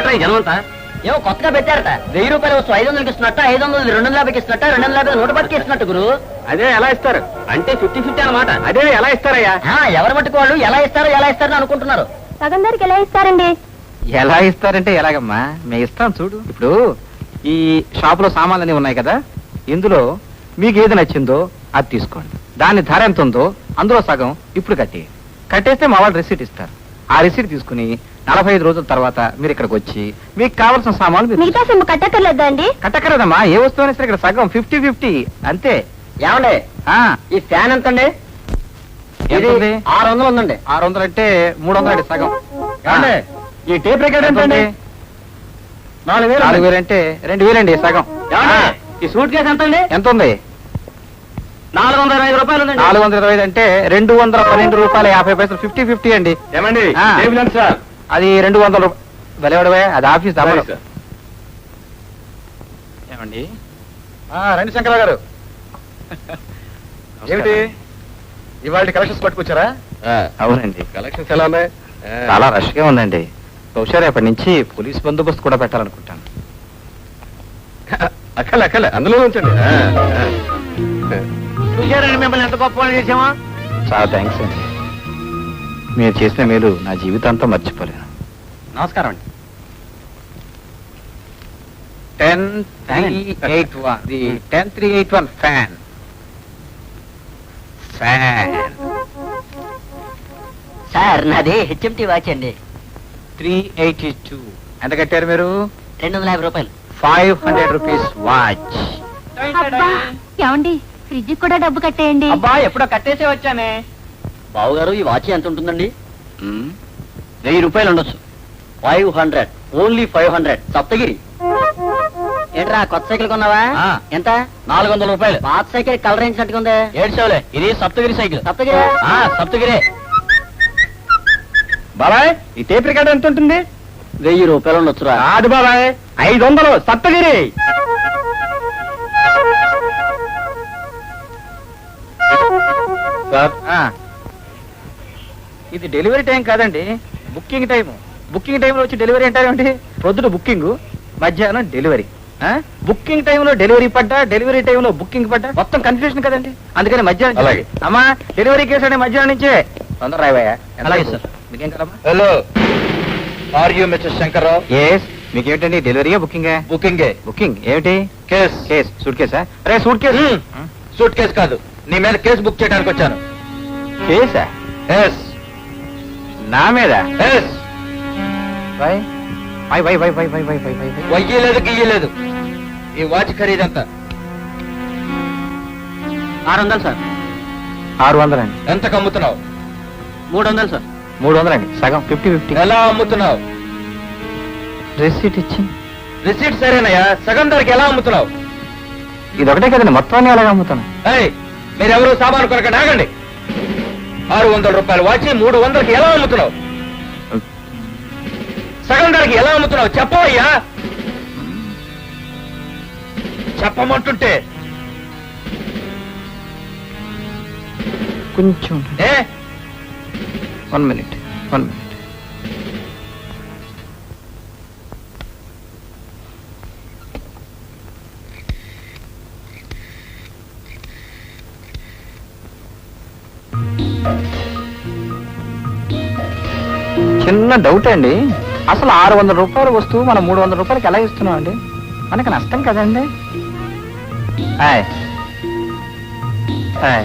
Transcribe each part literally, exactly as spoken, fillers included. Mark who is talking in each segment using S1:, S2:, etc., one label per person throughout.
S1: ఏమిటా ఈ జనమంతా?
S2: ఏమో కొత్తగా పెట్టారట. వెయ్యి రూపాయలు వస్తూ ఐదు వందలకి ఇస్తున్నట్ట, ఐదు వందలు రెండు వందల యాభైకి ఇస్తున్నట్ట, రెండు వందల యాభై నూట పట్టుకి ఇస్తున్నట్టు గురు.
S1: అదే ఎలా ఇస్తారు అంటే ఫిఫ్టీ ఫిఫ్టీ అన్నమాట. అదే ఎలా ఇస్తారయ్యా?
S2: ఎవరి మట్టుకు వాళ్ళు ఎలా ఇస్తారో ఎలా ఇస్తారని అనుకుంటున్నారు.
S3: సగం ధరకి ఎలా ఇస్తారండి?
S4: ఎలా ఇస్తారంటే ఎలాగమ్మా, మేము ఇస్తాం చూడు. ఇప్పుడు ఈ షాప్ లో సామాన్లన్నీ ఉన్నాయి కదా, ఇందులో మీకు ఏది నచ్చిందో అది తీసుకోండి. దాని ధర ఎంత ఉందో అందులో సగం ఇప్పుడు కట్టి కట్టేస్తే మా వాళ్ళు రిసీట్ ఇస్తారు. ఆ రిసీట్ తీసుకుని నలభై ఐదు రోజుల తర్వాత మీరు ఇక్కడికి వచ్చి మీకు కావాల్సిన సామాన్లు
S3: మిగతా సొమ్ము కట్టక్కర్లేదా అండి?
S4: కట్టక్కర్లేదమ్మా, ఏ వస్తువు అయినా సరే ఇక్కడ సగం ఫిఫ్టీ ఫిఫ్టీ అంతే.
S2: ఏమండి ఈ ఫ్యాన్ ఎంత అండి? ఆరు వందలు ఉందండి.
S4: ఆరు వందలు అంటే మూడు వందలు అండి సగం.
S2: ఈ టేప్ రికార్డ్ ఎంత అండి? నాలుగు వేలు.
S4: నాలుగు వేలు అంటే రెండు వేలండి సగం.
S2: ఈ సూట్ కేసు ఎంత అండి?
S4: ఎంత ఉంది?
S2: నాలుగు వందల ఇరవై ఐదు రూపాయలు ఉందండి.
S4: నాలుగు వందల ఇరవై ఐదు అంటే రెండు వందల పన్నెండు రూపాయల యాభై పైసలు ఫిఫ్టీ ఫిఫ్టీ అండి.
S1: ఏమండి సార్?
S4: అది రెండు వందల రూపాయలు. అది ఆఫీస్ ఏమండి?
S5: రండి శంకర గారు. ఏమిటి ఇవాళ కలెక్షన్స్ పట్టుకొచ్చారా?
S4: అవునండి,
S1: కలెక్షన్స్ ఎలా ఉన్నాయి?
S4: చాలా రష్ గా ఉందండి. బహుశా రేపటి నుంచి పోలీస్ బందోబస్తు కూడా పెట్టాలనుకుంటాను.
S1: అక్కలే అక్కలే అందులో ఉంచండి.
S2: చూసారండి మిమ్మల్ని ఎంత గొప్ప వాళ్ళు చేసామా?
S4: చాలా థ్యాంక్స్ అండి, మీరు చేసిన మేలు నా జీవితాంతం మర్చిపోలేను.
S2: నమస్కారం అండి.
S4: Ten three eight one the ten three eight one fan fan
S2: sir నాది హెచ్ఎంటీ వాచ్ అండి.
S4: త్రీ ఎయిటీ టూ ఎంత కట్టారు మీరు?
S2: రెండు వందల యాభై రూపాయలు.
S4: Five hundred rupees watch.
S3: ఏమండి ఫ్రిడ్జ్ కూడా డబ్బు కట్టేయండి.
S2: అబ్బా ఎప్పుడో కట్టేసే వచ్చానే. బావు గారు ఈ వాచ్ ఎంత ఉంటుందండి? వెయ్యి రూపాయలు ఉండొచ్చు. Five hundred only five hundred Saptagiri. ఏంట్రా కొత్త సైకిల్ కొన్నావా? ఎంత? నాలుగు వందల రూపాయలు. పాత సైకిల్ కలర్ వేయించినట్టుగా ఉంది. ఏడు సేవలే, ఇది సప్తగిరి సైకిల్. సప్తగిరి సప్తగిరే.
S1: బాబాయ్ ఈ టేప్ రికార్డ్ ఎంత ఉంటుంది?
S2: వెయ్యి రూపాయలు ఉండొచ్చురా.
S1: కాదు బాబాయ్, ఐదు వందలు సప్తగిరి.
S4: సార్ ఇది డెలివరీ టైం కాదండి, బుకింగ్ టైం. బుకింగ్ టైంలో వచ్చి డెలివరీ అంటారేంటి? ప్రొద్దున బుకింగ్, మధ్యాహ్నం డెలివరీ. బుకింగ్ టైంలో డెలివరీ పడ్డా, డెలివరీ టైంలో బుకింగ్ పడ్డా మొత్తం కన్ఫ్యూజన్ కదండి. అందుకని మధ్యాహ్నం.
S1: అలాగే
S4: అమ్మా డెలివరీ కేసు అంటే మధ్యాహ్నం నుంచే తొందర రాయవయ్యా.
S2: అలాగే సార్.
S4: మీకేం కదమ్మా?
S5: Hello, are you mister Shankarrao?
S4: Yes. మీకేమిటండి డెలివరీయా బుకింగే?
S5: బుకింగే.
S4: బుకింగ్ ఏమిటి?
S5: కేస్.
S4: కేస్ సూట్ కేసా? అరే సూట్ కేసు.
S5: సూట్ కేసు కాదు, నీ మీద కేసు బుక్ చేయడానికి వచ్చాను.
S4: కేసా?
S5: ఎస్.
S4: నా మీద?
S5: Yes.
S4: Why why why why why why why why why why
S5: వయ్యలేదు గియ్యలేదు. ఈ వాచ్ ఖరీదంతా?
S2: ఆరు వందలు సార్.
S4: ఆరు వందలండి.
S5: ఎంతకు అమ్ముతున్నావు?
S2: మూడు వందలు సార్.
S4: మూడు వందలండి సగం ఫిఫ్టీ ఫిఫ్టీ.
S5: ఎలా అమ్ముతున్నావు?
S4: రిసీట్ ఇచ్చి.
S5: రిసీట్ సరేనయ్యా, సగం ధరకి ఎలా అమ్ముతున్నావు?
S4: ఇది ఒకటే కదండి, మొత్తాన్ని అలాగే అమ్ముతాను.
S5: ఏయ్, మీరెవరు సామాను కొనక ఆగండి. ఆరు వందల రూపాయలు వాచి మూడు వందలకి ఎలా అమ్ముతున్నావు? సగం ధరకి ఎలా అమ్ముతున్నావు చెప్పవయ్యా. చెప్పమంటుంటే
S4: కొంచెం
S5: a
S4: one minute one minute చిన్న డౌట్ అండి, అసలు ఆరు వందల రూపాయల వస్తువు మనం మూడు వందల రూపాయలకి ఎలా ఇస్తున్నాం అండి? మనకి నష్టం కదండి. హాయ్ హాయ్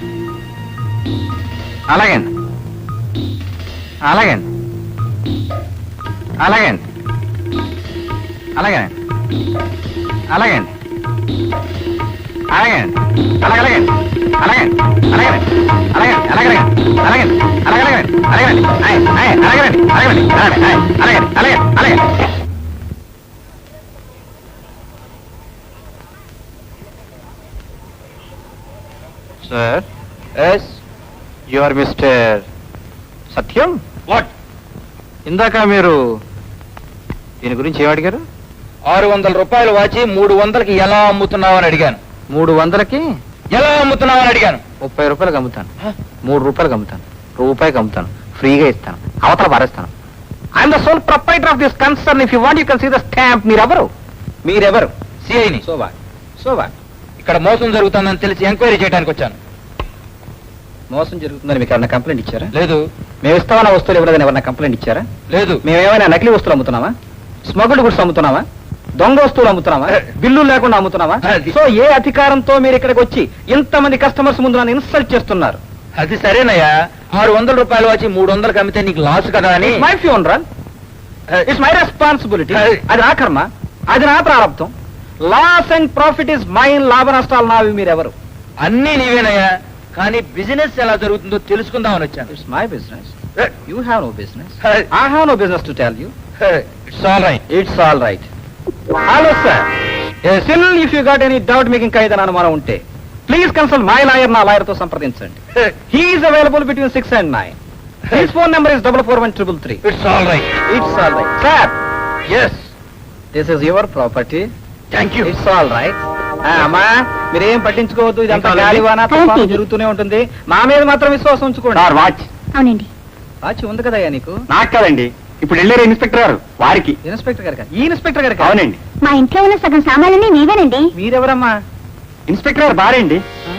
S4: అలాగండి అలాగండి అలాగండి అలాగేనండి అలాగండి అలాగండి అలాగలాగండి అలాగండి అలాగండి అలాగండి అలాగండి అలాగండి అలాగలాగండి అలాగండి అలాగండి అలాగండి అలాగండి అలాగండి అలాగండి. Sir. Yes. You are mister Satyam.
S5: What?
S4: ఇందాక మీరు దీని గురించి ఏం అడిగారు?
S5: ఆరు వందల రూపాయలు వాచి మూడు వందలకి ఎలా అమ్ముతున్నావు అని అడిగాను.
S4: మూడు వందలకి
S5: ఎలా అమ్ముతున్నావు అని అడిగాను.
S4: ముప్పై రూపాయలకు అమ్ముతాను, మూడు రూపాయలకు అమ్ముతాను, రూపాయికి అమ్ముతాను, ఫ్రీగా ఇస్తాను, అవతల పారేస్తాను. I'm the sole proprietor of this concern. If you want you can see the stamp. మీరెవరు మీరెవరు
S5: సిఐని
S4: సోవా సోవా
S5: ఇక్కడ మోసం జరుగుతుందని తెలిసి ఎంక్వైరీ చేయడానికి వచ్చాను.
S4: మోసం జరుగుతుందని మీకు ఏమైనా కంప్లైంట్ ఇచ్చారా?
S5: లేదు
S4: మేము ఇస్తామన్న వస్తువులు ఇవ్వలేదని ఎవరైనా కంప్లైంట్ ఇచ్చారా?
S5: లేదు
S4: మేము ఏమైనా నకిలీ వస్తువులు అమ్ముతున్నామా? Smuggled goods అమ్ముతున్నామా? దొంగ వస్తువులు అమ్ముతున్నామా? బిల్లు లేకుండా అమ్ముతున్నామా?
S5: అది-
S4: సో ఏ అధికారంతో మీరు ఇక్కడికి వచ్చి ఇంతమంది కస్టమర్స్ ముందు నన్ను ఇన్సల్ట్ చేస్తున్నారు?
S5: అది సరేనయ్యా, ఆరు వందల రూపాయలు వచ్చి మూడు వందలకు అమ్మితే నీకు లాస్ కదా అని.
S4: My funeral, it's my responsibility.
S5: అది-
S4: అది నా కర్మ, అది నా ప్రారంభం. Loss and profit is mine. లాభ నష్టాలు నావి. మీరెవరు?
S5: అన్నీ నీవేనయ్యా, కానీ బిజినెస్ ఎలా జరుగుతుందో తెలుసుకుందామని వచ్చాను.
S4: It's my business. You have no business.
S5: Hey.
S4: I have no business to tell you.
S5: It's all right.
S4: It's all right. Hello sir, still if you got any doubt, మీకు ఇంకా ఏదైనా అనుమానం ఉంటే ప్లీజ్ కన్సల్ట్ మై లాయర్. నా lawyer తో సంప్రదించండి. He's available between six and nine. His phone number is double four one triple three.
S5: It's all right.
S4: It's all right. Sir,
S5: yes,
S4: this is your property.
S5: Thank you.
S4: It's all right. అమ్మా, మీరేం పట్టించుకోవద్దు. ఇదంతా
S5: ఇంకా
S4: గాలివాన
S3: అలాగే.
S4: తుఫాను
S3: అలాగే.
S4: జరుగుతూనే ఉంటుంది. మా మీద మాత్రం విశ్వాసం ఉంచుకోండి.
S1: వాచ్
S3: అవునండి.
S4: వాచి ఉంది కదయ్యా నీకు?
S1: నాకు కాదండి, ఇప్పుడు వెళ్ళారు ఇన్స్పెక్టర్ గారు వారికి.
S4: ఇన్స్పెక్టర్ గారు ఈ ఇన్స్పెక్టర్ గారు
S1: అవునండి,
S3: మా ఇంట్లో ఉన్న సగం సామాన్లన్నీ నీవేనండి.
S4: మీరెవరమ్మా?
S1: ఇన్స్పెక్టర్ గారు భార్య అండి.
S4: ఆ?